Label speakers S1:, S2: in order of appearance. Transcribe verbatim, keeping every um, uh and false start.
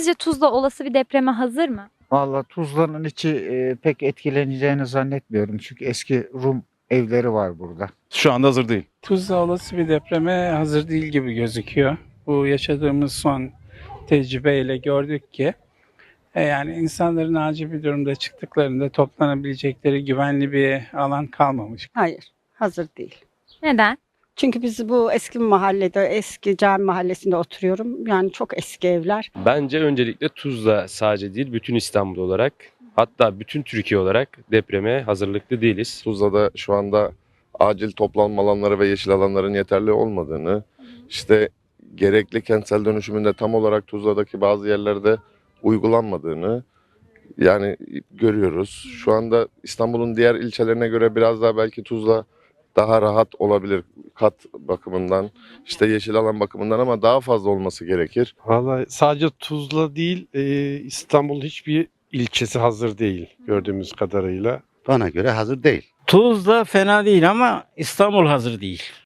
S1: Sizce Tuzla olası bir depreme hazır mı?
S2: Vallahi Tuzla'nın içi e, pek etkileneceğini zannetmiyorum. Çünkü eski Rum evleri var burada.
S3: Şu anda hazır değil.
S4: Tuzla olası bir depreme hazır değil gibi gözüküyor. Bu yaşadığımız son tecrübeyle gördük ki e, yani insanların acil bir durumda çıktıklarında toplanabilecekleri güvenli bir alan kalmamış.
S5: Hayır, hazır değil.
S1: Neden?
S5: Çünkü biz bu eski mahallede, eski cami mahallesinde oturuyorum. Yani çok eski evler.
S6: Bence öncelikle Tuzla sadece değil, bütün İstanbul olarak, hatta bütün Türkiye olarak depreme hazırlıklı değiliz.
S7: Tuzla'da şu anda acil toplanma alanları ve yeşil alanların yeterli olmadığını, işte gerekli kentsel dönüşümünde tam olarak Tuzla'daki bazı yerlerde uygulanmadığını yani görüyoruz. Şu anda İstanbul'un diğer ilçelerine göre biraz daha belki Tuzla daha rahat olabilir kat bakımından, işte yeşil alan bakımından, ama daha fazla olması gerekir.
S8: Vallahi sadece Tuzla değil, e, İstanbul'un hiçbir ilçesi hazır değil gördüğümüz kadarıyla.
S9: Bana göre hazır değil.
S10: Tuzla fena değil ama İstanbul hazır değil.